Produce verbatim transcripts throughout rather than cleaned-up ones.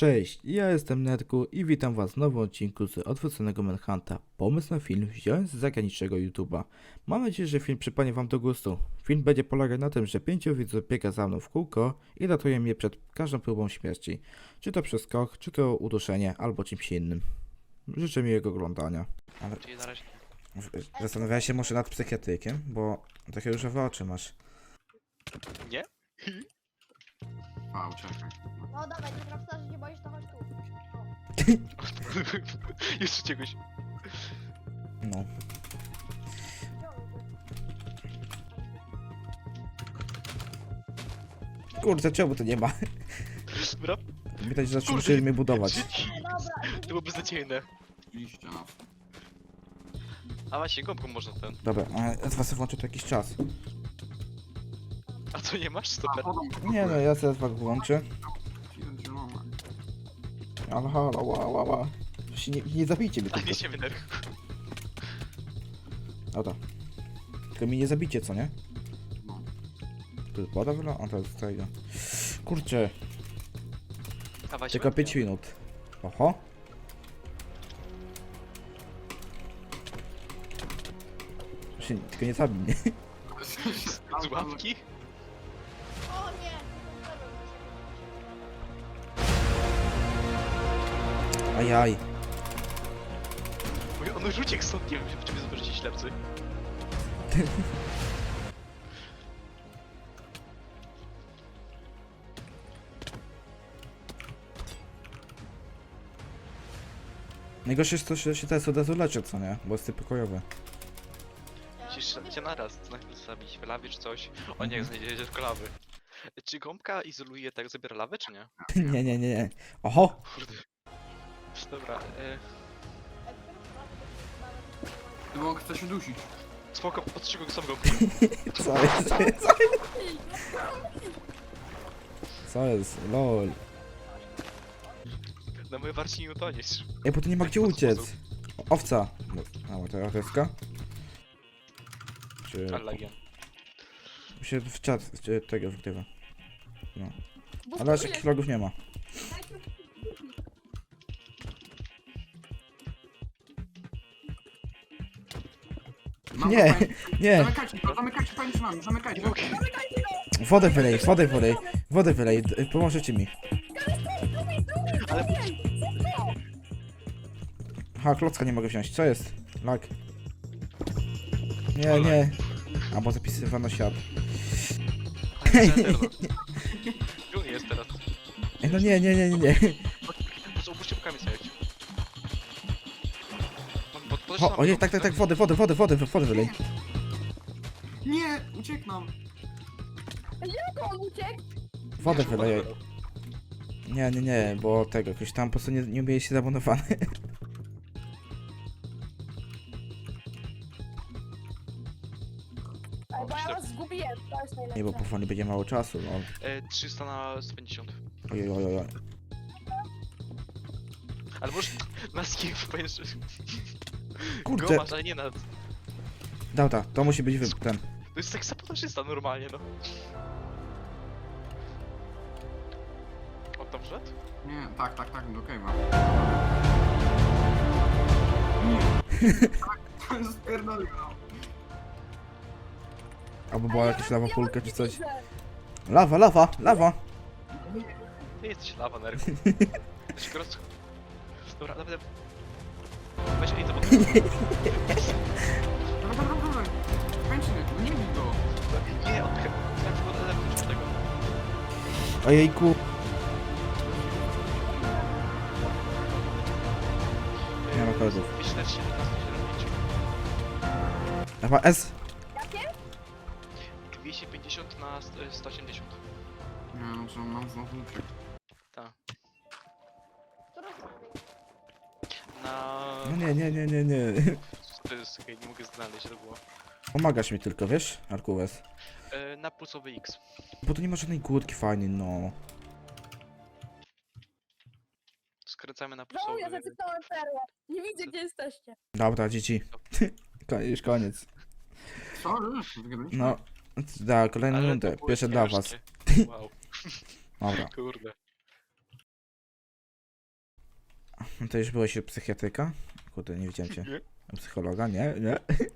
Cześć, ja jestem Netku i witam was w nowym odcinku z Odwróconego Manhunta. Pomysł na film wziąłem z zagranicznego YouTube'a. Mam nadzieję, że film przypadnie wam do gustu. Film będzie polegał na tym, że pięciu widzów biega za mną w kółko i ratuje mnie przed każdą próbą śmierci. Czy to przez skok, czy to uduszenie, albo czymś innym. Życzę miłego oglądania. Ale Czyli na razie. zastanawiałem się może nad psychiatrykiem, bo takie różowe oczy masz. Nie? A, uciekaj. No dawaj, nie prawda, że nie boisz, to chodź tu. Jeszcze czegoś. No. Kurde, czemu to nie ma? Dobra. Widać, że Kurde, zaczęli mnie budować. Dobra, To było beznadziejne. Oczywiście, no. A właśnie, gąbką można ten. Dobra, a ja was włączę to jakiś czas. A co, nie masz A, stoper? potem Nie no, ja zaraz was włączę. zielona. Ale halo, ła, ła, ła. Się Nie, nie zabijcie mnie A nie tylko. się nerw. Dobra. Tylko mi nie zabicie, co nie? No. Tu jest woda wyla? A to jest tego. Kurczę, A właśnie. tylko pięć minut. Oho. Się, tylko nie zabij mnie. Z łapki? o nie! Ajaj. Mój, on już uciekł stąd, nie wiem, czy wy zobaczycie ślepcy. Najgorsze jest to, że się teraz od razu leczę, co nie? Bo jest typ pokojowy. Musisz cię naraz, najpierw zabić w lawie czy coś. O nie, Mhm. znajdziecie tylko lawy. Czy gąbka izoluje, tak zabiera lawę, czy nie? Nie, nie, nie, nie. Oho! Kurde. Dobra, e, No bo chce się dusić. spoko, podtrzymaj go sam gąbkę. Co jest? Co jest? Co jest? Lol. Na moje warci nie utoniesz. Ej, bo tu nie ma Tak, gdzie pod uciec. sposób. O, owca. A, bo to owecka? Czy... Allagian. się w czat czy tego wgrywa. No. Ale aż jakichś logów nie ma. Mam Nie, to pani- nie. Zamykajcie to, zamykajcie pani z nami, zamykajcie. Nie mogę. Wodę wylej, wodę wylej. Wodę wylej, d- pomożecie mi. Ale Aha, klocka nie mogę wziąć. Co jest? Lag. Nie, nie. A bo zapisywano świat. Ale Ender, no. Gdzie on jest teraz? Ej, no nie, nie, nie, nie, nie. Po co opuśćcie bokami stoять? Mam pod, pod, O, o nie, tak, tak, tak, wodę, wodę, wodę, wodę, wodę wylej. Nie, ucieknam. Jak on uciekł? Wodę wylej. Nie, nie, nie, bo tego, jakoś tam po prostu nie, nie umieli się zamonowane. Ej, bo ja was zgubiłem, to jest najlepsze. Nie, bo powoli będzie mało czasu, no. E, trzysta na sto pięćdziesiąt. Ojej, ojej, ojej. Ale może na skin powiesz, że... Kurczę. Go masz, ale nie na... Dobra, to musi być wy... ten. To jest tak sabotażysta normalnie, no. On tam wszedł? Nie, tak, tak, tak, do cave'a. Nie. To jest spierdolił, no. Albo była jakaś lawa pulka czy coś. Lawa, lawa, lawa! Ty jesteś lawa, nerw. Się go roz... Dobra, dobra. Weź, ej, to bo... Dobra, dobra, dobra. Kończymy, no nie bij go. Nie, on chyba... Ja tylko telefon do tego. Ojejku. Nie ma kodów. dwieście siedemnaście siedemdziesiąt Lawa S. Jakie? dwieście pięćdziesiąt na sto osiemdziesiąt. Nie, no co, mam znowu uciekł. Tak. Którą stronę? Na... No nie, nie, nie, nie, nie. To jest okej, nie mogę znaleźć, to było. Pomagasz mi tylko, wiesz, Arkuwes? E, na pulsowy X. Bo tu nie ma żadnej górki fajnej, no. Skręcamy na No, pulsowy... ja zacytowałem perłę. Nie widzę, gdzie jesteście. Dobra, dzieci. Ko- Już koniec. Co? Już? Wygadaliśmy? No. Da, kolejną Ale to rundę. było Pierwsze dla was. ciężkie. Wow, Dobra. kurde. To już byłeś u psychiatryka? Kurde, nie widziałem cię. Nie. U psychologa? Nie, nie.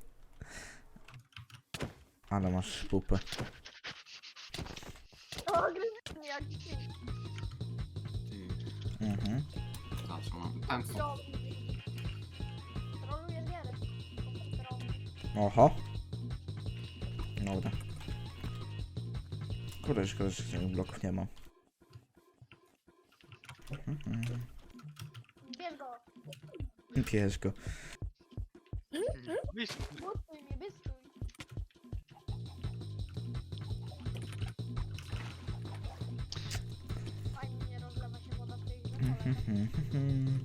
Ale masz pupę. O, gryzę mnie jak ci. Ty, Mhm. za co mam? Ten co? Troluje gierę. Oho. Dobra. Kurde, szkoda, że tych bloków nie mam. Mhm. Bierz go. Bierz go. Wiesz, Bystój mnie, bystój. Fajnie nie rozlewa się woda w tej grze. Mhm.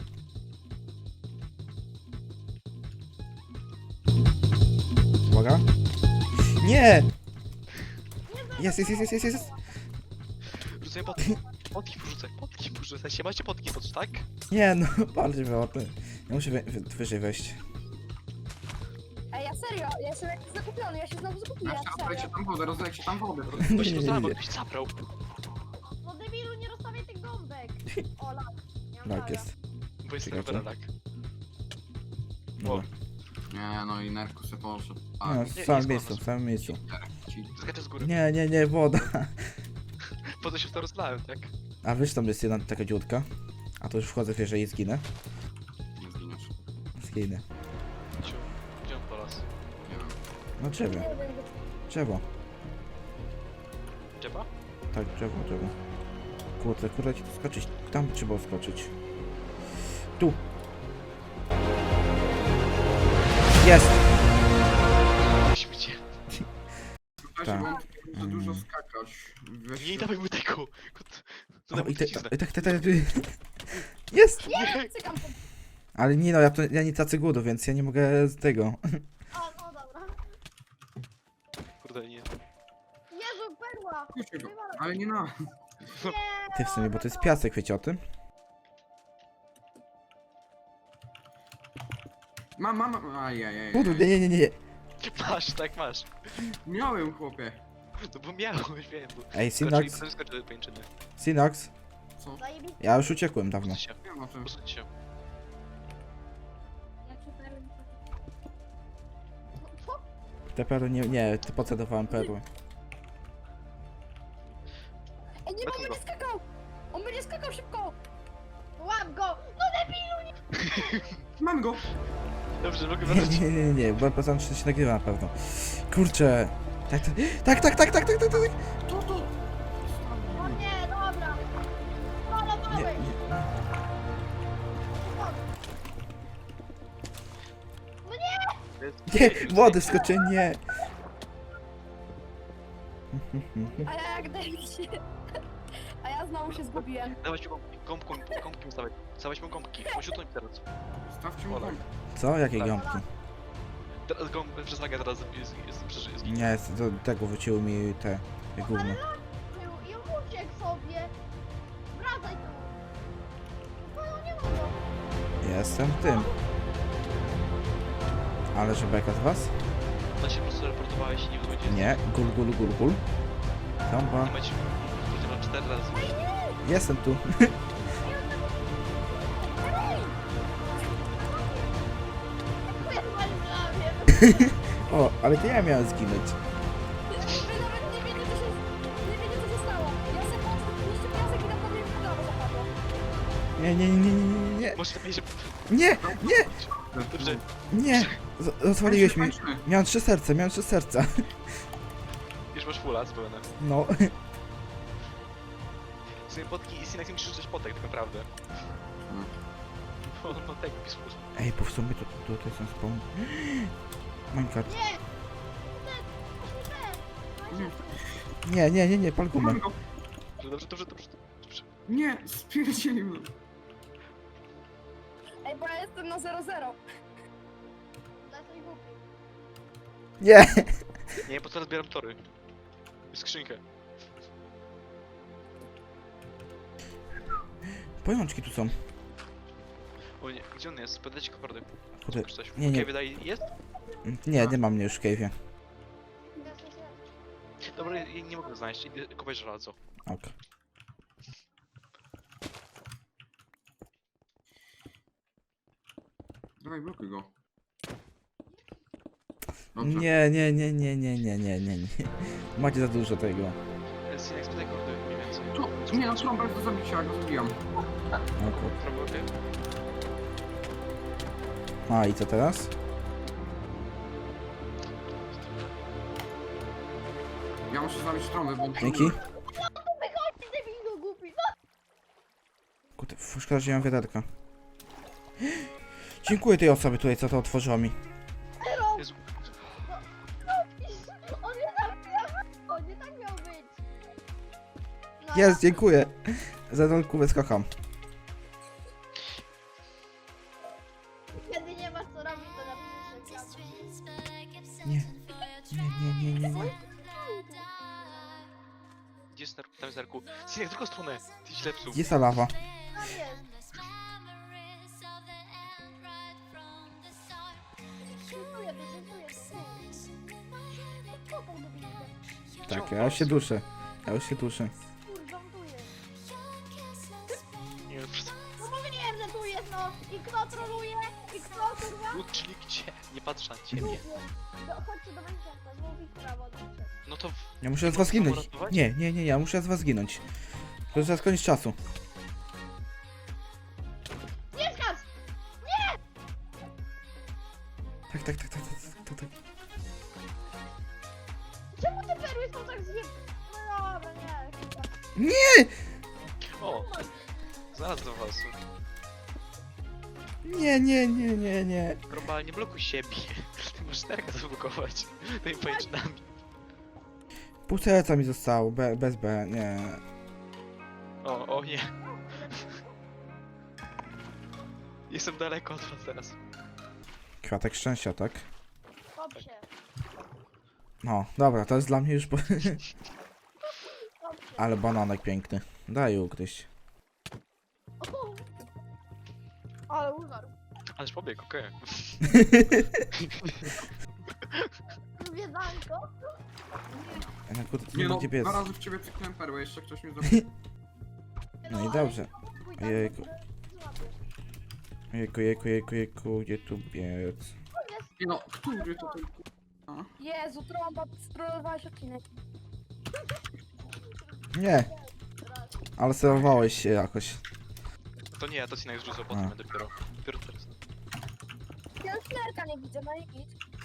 Uwaga. Nie! Jest, jest, jest, jest, jest, jest. rzucaj potki. Potki porzucaj, potki porzucaj. Się macie potki pod, tak? Nie, no, bardziej było ty. Ja muszę wy, wy, wyżej wejść. Ej, ja serio, ja jestem jak zakupiony, ja się znowu zakupiłem, Jeszcze rozlejcie serio. tam wodę, rozlejcie tam wodę. Nie, Ktoś nie, to nie, zabrał, nie. ktoś zabrał. No debilu, nie rozstawiaj tych gąbek. O, lak. Nie mam Tak laga. jest. Bo jest Czekajcie. serwer, tak. Dobra. Nie, no i nerku se poszedł. No, A, w nie, samym nie miejscu, skłamasz. w samym miejscu. ci. Skaczę z góry. Nie, nie, nie, woda. Po to się w to rozlałem, tak? A wiesz, tam jest jedna taka dziurka. A to już wchodzę wierzę i zginę. Nie zginiesz. Zginę. Ciu. Gdzie on po las? Nie wiem. No drzewo, Nie wiem, drzewo. Dziepa? Tak, drzewo, drzewo. Kurde, kurde, ci tu skoczyć. Tam trzeba skoczyć. Tu. Jest! Śmiecie. Słuchajcie, Tak. bo on tutaj za dużo skakać. Weź Nie się- dawaj mu tego. Kot- To O, dam mu i te, truciznę. i tak, tak, tak. Jest! Nie! cykam to. Ale nie no, ja, to, ja nie tacy głodu, więc ja nie mogę z tego. A, no dobra. Kurde, nie. Jezu, perła. Puśćcie go, ale nie na. Ty w sumie, bo to jest piasek, wiecie o tym? Mam, mam, ajajaj. Budu, nie, nie, nie, nie. Masz, tak masz. Miałem, chłopie. No bo miałeś, wiem, bo... Ej, Skoczy i Synox, potem skoczy do pajęczyny. Synox, Co? Zajebiście. ja już uciekłem dawno. Posuń się, Nie wiem o czym. posuń się. Co? Te perły nie, nie, ty pocedowałem perły. Ej, nie, bo on Wypnij go. będzie skakał. On będzie skakał szybko. Łap go. No debilu, nie. Mam go! Dobrze, mogę Nie, wracać. nie, nie, nie, nie, bo poza tym się nagrywa na pewno. Kurczę. Tak, tak, tak, tak, tak, tak, tak, tak, tak. To, to! O nie, dobra. Nie, Malowałeś. nie. Nie, wody wskoczy, nie. A ja jak daję się. A ja znowu się zgubiłem. Dawać mi gąbki, gąbką, gąbki mi stawiać. Stawiać mu gąbki, oświetluj mi teraz. Stawcie mu Olej. gąbkę. Co? Jakie Tak. gąbki? Teraz gąbkę przez nagę teraz jest, jest, przeży- jest, Nie, z- do tego wróciły mi te, te gówno. Był i uciekł sobie. Wracaj tu. No, no nie mogę. Jestem tym. Ale że beka z was? Na się po prostu reportowałeś i nie wiadomo gdzie jest. Nie, gul, gul, gul, gul. Tomba. Nie macie powiedziano cztery razy. Jestem tu. O, ale to ja miałem zginąć. Wy nawet nie wiecie, co się, nie wiecie, co się stało. Ja sobie patrzę, niszczy piasek i na mnie w prawo zapadło. Nie, nie, nie, nie, nie, nie. Może lepiej się... Nie, nie, Dobrze, nie. Z- Rozwaliłeś mi. Tańczmy, tańczmy. Miałem trzy serca, miałem trzy serca. już masz fulla zupełnie. No. Sobie potki i synek nie musisz rzucać potek, tak naprawdę. Hmm. No, no tak, pismo. Ej, bo w sumie to, to, to jest ten spawn. Minecraft. Nie! Nie, Nie, nie, nie, nie, pal gumę. mam go! Dobrze, dobrze, dobrze, dobrze. Nie, spierdzielił mnie. Ej, bo ja jestem na zero zero. Jesteś głupi. Nie. Nie, po co zbieram tory? Skrzynkę. Pajączki tu są. O nie, gdzie on jest? Podajcie kopardy. Kurde. Czy coś? Nie, nie. Okej, wydaje, jest? Nie, nie mam mnie już w cave'ie. Dobra, ja ja nie mogę znaleźć. Idę kopać żelazo. Ok. Dawaj, blokuj go. Dobrze. Nie, nie, nie, nie, nie, nie, nie, nie, nie. Macie za dużo tego. Synek, spytaj kordy mniej więcej. Tu, nie, no trąba jest do zabicia, ja go zabijam. O kur... Trąba, okej? A i co teraz? Ja muszę zabić trąbę, bo... Dzięki. Debilu głupi. Kurde, szkoda, że nie mam wiaderka. Dziękuję tej osobie tutaj, co to otworzyła mi. Jezu. On nie zabija. On nie tak miał być. No, Jest, dziękuję. Za tą kubę kocham. Kiedy nie masz co robić, to napiszesz reklamę. Nie. Nie, nie, nie, nie, nie. Gdzie jest Nerku? Tam jest Nerku. Synek, w drugą stronę! Ty źle psuł. Gdzie jest ta lawa? Tam jest. Dziękuję, dziękuję. Kopał do windy. Tak, ja już się duszę. Ja już się duszę. Kurwa, tu jest. Nie wiem, przez... No mówiłem, że tu jest, no. I kto troluje? I kto, kurwa? Tu, czyli gdzie? Nie patrz na ciebie. Do, chodźcie do Minecrafta, znowu w prawo. dobrze. No to... w- Ja muszę z Nie was mogę zginąć. uratować? Nie, nie, nie, ja muszę z was zginąć. To zaraz koniec czasu. Nie skacz! Tak, tak, tak, tak, tak, tak, tak. Czemu te perły są tak zjeb... No dobra, nie. Nie! O! Znalazłem was. Nie, nie, nie, nie, nie. Trąba, nie blokuj siebie. Ty możesz Nerka zablokować. Tymi pajęczynami. Pół serca mi zostało, be, bez B, nie. O, o nie. Jestem daleko od was teraz. Kwiatek szczęścia, tak? Kop się, No, dobra, to jest dla mnie już... Po... kop się. Ale bananek piękny. Daj ugryźć. O! Ale umarł. Ależ pobiegł, okej. Wiedanko? No kurde, to Nie nie no, będzie biec. dwa razy w ciebie cyknąłem perłę, jeszcze ktoś mnie zabił. No i dobrze. Ojejku. Jejku, jejku, jejku, jejku, gdzie tu biec? Nie no, który to ten k***a? Jezu, trąba, strollowałeś odcinek. Nie, ale sterowałeś się jakoś. To nie, to Synek zrzucał A. potem ja dopiero. Dopiero teraz. Ja szklerka nie widzę, no i nic.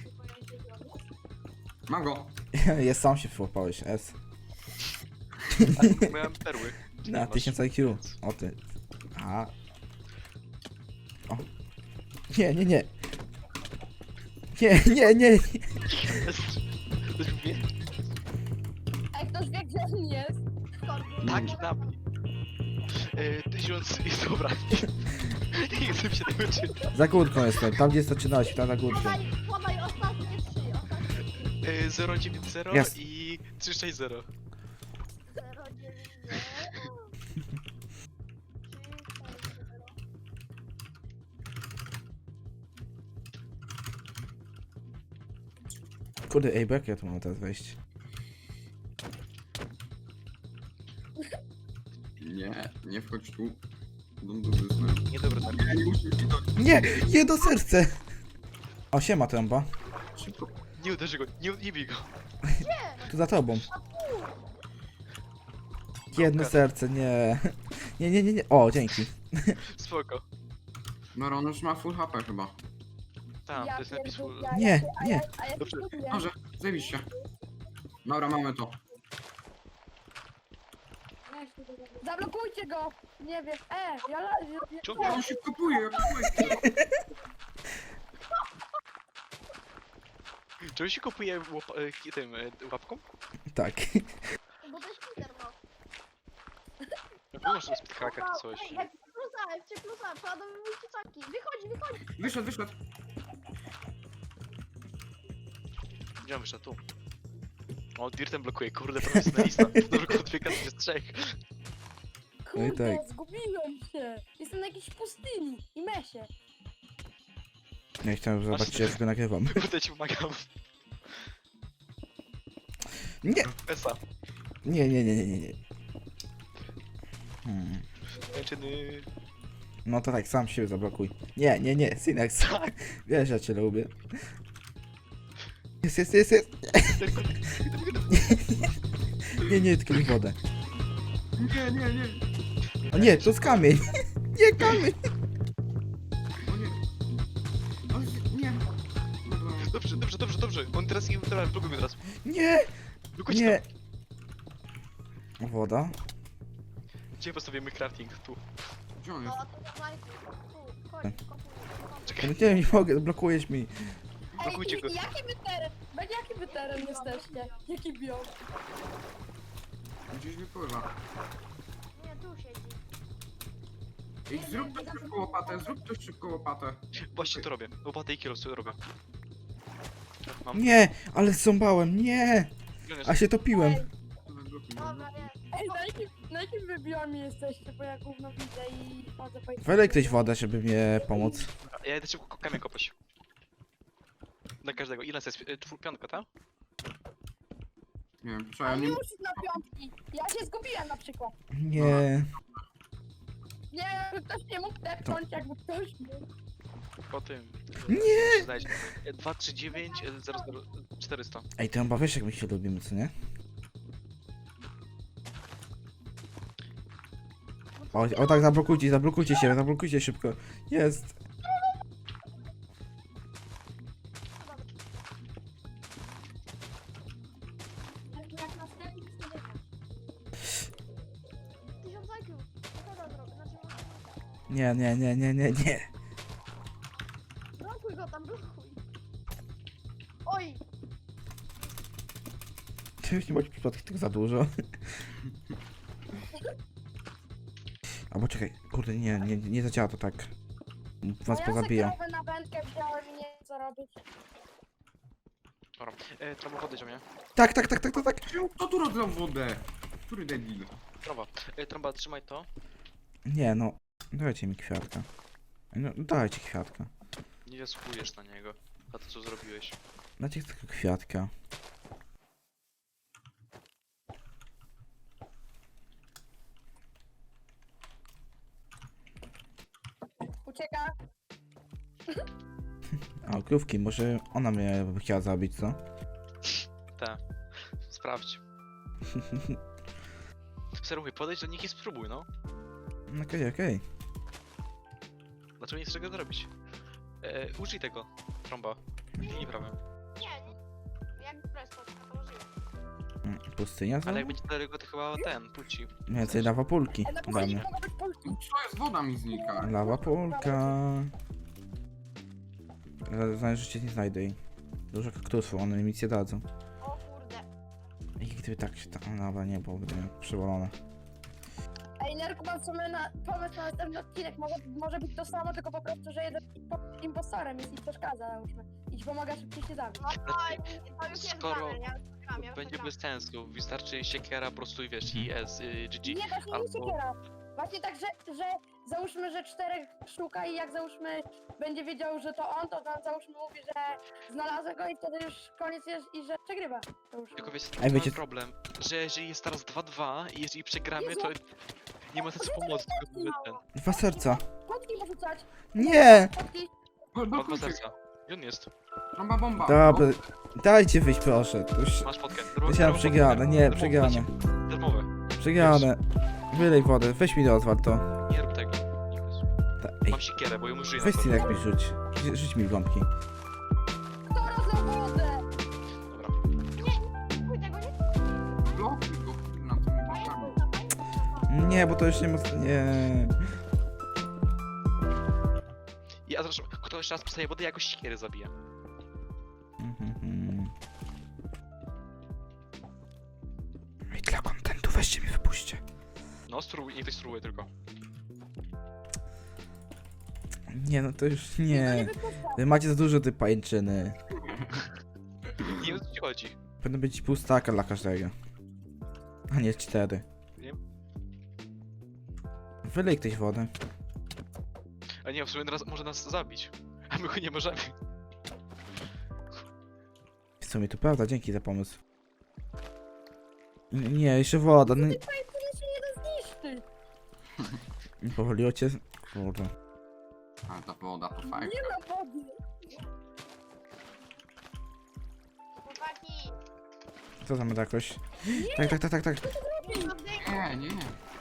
Mam go. Jest, sam się wyłapałeś, S. Ale miałem perły. Ty nie Na masz. tysiąc I Q. O ty. A. O. Nie, nie, nie. Nie, nie, nie. Ktoś wie? Ej, ktoś wie, gdzie on jest? Tak, na mnie. Yy, tysiąc i dobra. Nie chcę się tego czytać. Za górką jestem, tam gdzie zaczynałeś, tam za górką. Podaj, podaj ostatnie trzy, ostatnie trzy. Yy, zero dziewięć zero Jest. i trzy sześć zero. zero dziewięć zero. Kurde, ej, bo jak ja tu mam teraz wejść? Nie, nie wchodź tu. Don't do this, man. Niedobry Nerku. Nie, nie musisz mi to... Nie, jedno serce. O, siema trąba. Szybko. Nie uderzy go, nie, nie bij go. Tu za tobą. Jedno serce, nie. Nie, nie, nie, nie. O, dzięki. Spoko. No, on już ma full H P chyba. Tam, Ja to jest napis pierdolę, full. a Nie, ja- a nie. ja- A ja Dobrze. spróbuję. Może, zajebiście. Dobra, mamy to. Zablokujcie go! Nie wiem, e, ja... la- ja- ja- Czemu? Ja on się kupuje, ja kupuję. Czy on się kupuje łop, e, tym e, łapką? Tak. Bo to jest Peter, no. No może speed hacker czy coś. Ej, F plusa, F plusa, przeładowy mój ciucaki. Wychodzi, wychodzi. Wyszedł, wyszedł. Gdzie on wyszedł? Tu. O, Dirtem blokuje, kurde, profesjonalista. Dobrze, kurde, dwie karty z trzech. No i Kurde, tak. zgubiłem się. Jestem na jakiejś pustyni i mesie. Nie chciałem zobaczyć, jak go nagrywam. Kurde, ci pomagam. Nie, Esa. nie, nie, nie, nie, nie. Hmm. Kończyny. No to tak, sam siebie zablokuj. Nie, nie, nie, Synex. Tak. Wiesz, ja cię lubię. Jest, jest, jest, jest. Nie, nie, tylko mi wodę. Nie, nie, nie. O nie, to jest kamień. Nie, kamień. O nie. O nie. Dobra. Dobrze, dobrze, dobrze, dobrze. On teraz nie teraz blokuj mnie teraz. Nie, Blokujcie nie. tam. Woda. Gdzie postawimy crafting? Tu. Gdzie on jest? No, to dawaj. Tu, chodź, kopuj. Czekaj. Nie, nie mogę, blokujesz mi. Blokujcie go. Ej, jaki wy teren? Będzie jaki wy teren jesteście? Jaki biom? Gdzieś wypływa. Nie, tu siedzi. Ej, zrób to szybko łopatę, zrób to szybko łopatę. Właśnie to robię. Łopatę i kierowcę robię. Mam. Nie, ale zząbałem, nie. Gdzie on jest? A się topiłem. Dobra, nie. Ej, na jakim, na jakim wy biomie jesteście? Bo ja gówno widzę i chodzę po... Wylej ktoś wodę, żeby mnie pomóc. Ja jedę szybko kamień kopać. Dla każdego. Ile to jest? Y, czwór- Piątka, tak? Nie wiem, trzeba A nie... nie musisz na piątki. Ja się zgubiłem na przykład. Nie. Nie, jakby ktoś nie mógł tepnąć, jakby ktoś mógł. Po tym. Nie. Znajdź. Y, dwa trzy dziewięć zero zero czterysta. Ej, to chyba wiesz jak my się lubimy, co nie? O, o tak, zablokujcie, zablokujcie się, zablokujcie szybko. Jest. Jak następny tysiąc I Q. Co to zrobię? Znaczy, Nie, nie, nie, nie, nie, nie. blokuj go tam, blokuj. Oj! Ty już nie bądź przypadkiem tego za dużo. Albo czekaj, kurde, nie, nie, nie zadziała to tak. Was ja pozabija. se krowę na wędkę wziąłem i nie wiem co robić. Dobra. E, Trąba wody do mnie. Tak, tak, tak, tak, tak, tak. Czemu- Kto tu rozlał wodę? Który debil? Trąba. E, Trąba, trzymaj to. Nie, no. Dajcie mi kwiatka. No, dajcie kwiatka. Nie zasługujesz na niego. Za to co zrobiłeś. Dajcie tylko kwiatka. Ucieka. A, krówki, może ona mnie by chciała zabić, co? Tak. Sprawdź. Seruj, podejdź do nich i spróbuj, no. Okej, okej. Dlaczego nie chcesz tego zrobić? E, użyj tego. Trąba. Linii prawym. Nie, nie. Jak presto, to użyję. Mm, Pustynia Ale znowu? jak będzie daleko, to chyba ten, puci. Więcej lawa pulki Ej, na dla pustyni mnie. mogą być polki. No co jest, woda mi znika. Lawa pulka. Znajdę, że cię nie znajdę jej. Dużo kaktusów, one mi nic nie dadzą. O kurde. I gdyby tak się ta lawa nie było, by przewalone. Ej, Nerku, mam w sumie na pomysł na następny odcinek. Może, może być to samo, tylko po prostu, że jeden po- impostorem jest i przeszkadza, załóżmy. I ci pomaga szybciej się zabić. Znaczy, skoro będzie bez sensu, wystarczy siekiera po prostu i wiesz, i S, y, G G. Nie, właśnie nie albo- siekiera. Właśnie tak, że, że załóżmy, że czterech szuka i jak załóżmy będzie wiedział, że to on, to tam załóżmy mówi, że znalazł go i wtedy już koniec jest i że przegrywa. Załóżmy. Tylko wiesz, Ej, Ej, wiecie- mamy problem, że jeżeli jest teraz dwa dwa i jeżeli przegramy, to nie ma sensu pomocy, tylko mamy ten. Dwa serca. Kotki porzucać. Nie! Kotki. Bo- Ma dwa blokujcie. serca. Gdzie on jest? Trąba bomba. Dobra, dajcie wyjść proszę. To już... Masz potkę. Myślałem przegrane, nie, przegrane. Darmowe. Przegrane. Wylej wodę, weź mi do Oswald to. Nie rób tego. Nikus. Ta, ej, Mam siekierę, bo ją użyję na weź to. Synek mi rzuć. Rzu- Rzuć mi gąbki. Kto rozlał wodę? Dobra. Chuj, tego nie Blokuj go na tymi blokami. Nie, bo to już nie ma... Nie. I a zresztą, kto jeszcze raz postaje wodę, jakoś siekiery zabije. Mhm. I dla kontentu weźcie mi wypuśćcie. No, spróbuj, niech ktoś spróbuje tylko. Nie, no to już Nie nie. wypuszcza. Wy macie za dużo tej pajęczyny. Nie wiem, o co ci chodzi. Powinno być pół staka dla każdego. A nie cztery. Wiem. Wylej ktoś wodę. A nie, w sumie teraz może nas zabić. A my go nie możemy. W sumie to prawda, dzięki za pomysł. N- Nie, jeszcze woda. No, nie- Tyle się nie da zniszczyć. powoliło cię. Kurde. Ale ta woda to fajnie. Nie ma wody. Chłopaki, Co tam jakoś? Tak, tak, tak, tak, tak. Nie, nie.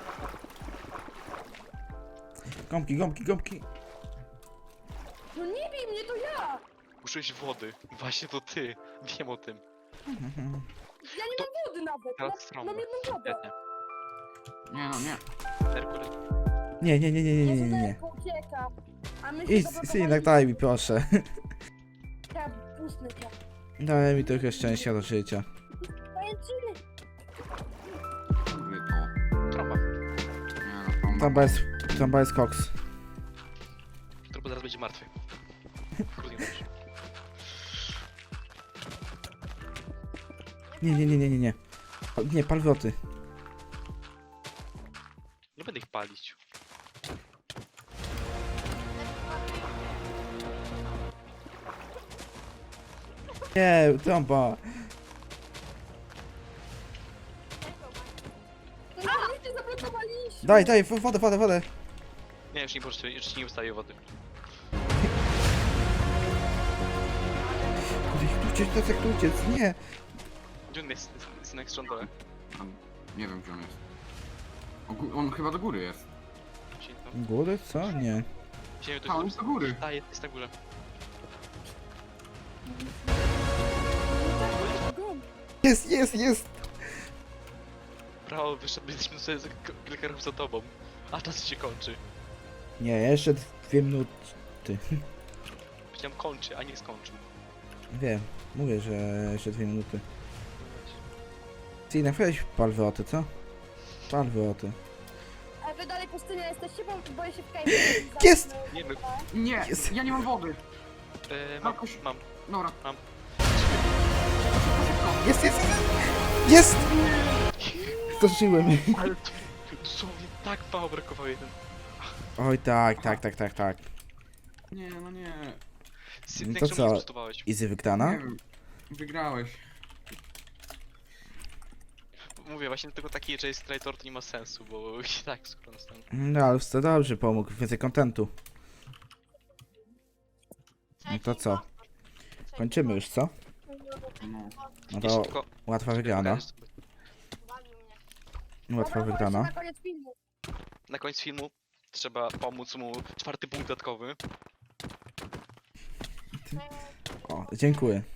Gąbki, gąbki, gąbki. No nie bij mnie, to ja. Użyłeś wody. Właśnie to ty. Wiem o tym. Ja nie mam wody nawet. Teraz Mam, strąbę. mam jedną wodę. Świetnie. Nie no, nie. Merkury. Nie, nie, nie, nie, nie, nie, nie, nie. Jezu, ucieka. A my się Idź, zablokowali. synek, daj mi proszę. Ja pustny cię. Daj mi trochę szczęścia do życia. Pajęczyny. Dobry to. Trąba. Nie no, trąba. Trąba jest, trąba jest koks. Trąba zaraz będzie martwy. Kurde, nie dobrze. Nie, nie, nie, nie, nie, nie. O, nie, palwroty. Nie będę ich palić. Nie, trąba. No my się zablokowaliśmy. Daj, daj, w- wodę, wodę, wodę. Nie, już nie możecie, już ci nie ustawię wody. Kurde, jak tu uciec, to jak tu uciec, nie. Gdzie on jest? Synek z rządowe. Tam, nie wiem gdzie on jest. O, gó- on chyba do góry jest. Góry? Co? Nie. Ziemię to A, on jest do góry. A, jest, jest na górze. Jest, jest, jest. Brawo, wyszedł, byliśmy sobie za k- kilka ruchów za tobą. A czas się kończy. Nie, jeszcze dwie minuty. Powiedziałem kończy, a nie skończył. Wiem, mówię, że jeszcze dwie minuty. Synek, weź palwroty, co? Palwroty. A wy dalej pustynia jesteście, bo boję się w kajmie. Jest! Nie, my... Nie, Jest. ja nie mam wody. E, mam, Jakoś- mam. Dobra. Mam. Jest, jest, jest! Jest! Zdążyłem. Ale to dosłownie tak mało brakowało jeden. Oj, tak, tak, tak, tak, tak. Nie, no nie. Synek, to czemu co? nie prostowałeś? Easy wygrana? Nie wiem. Wygrałeś. Mówię, właśnie tylko taki, że jest traitor to nie ma sensu, bo i tak skoro następny. No, ale to dobrze pomógł, więcej kontentu. No to co? Kończymy już, co? No. No Jeśli to tylko... łatwa wygrana. Łatwa Dobra, wygrana. Na koniec filmu. Na koniec filmu trzeba pomóc mu czwarty punkt dodatkowy. O, dziękuję.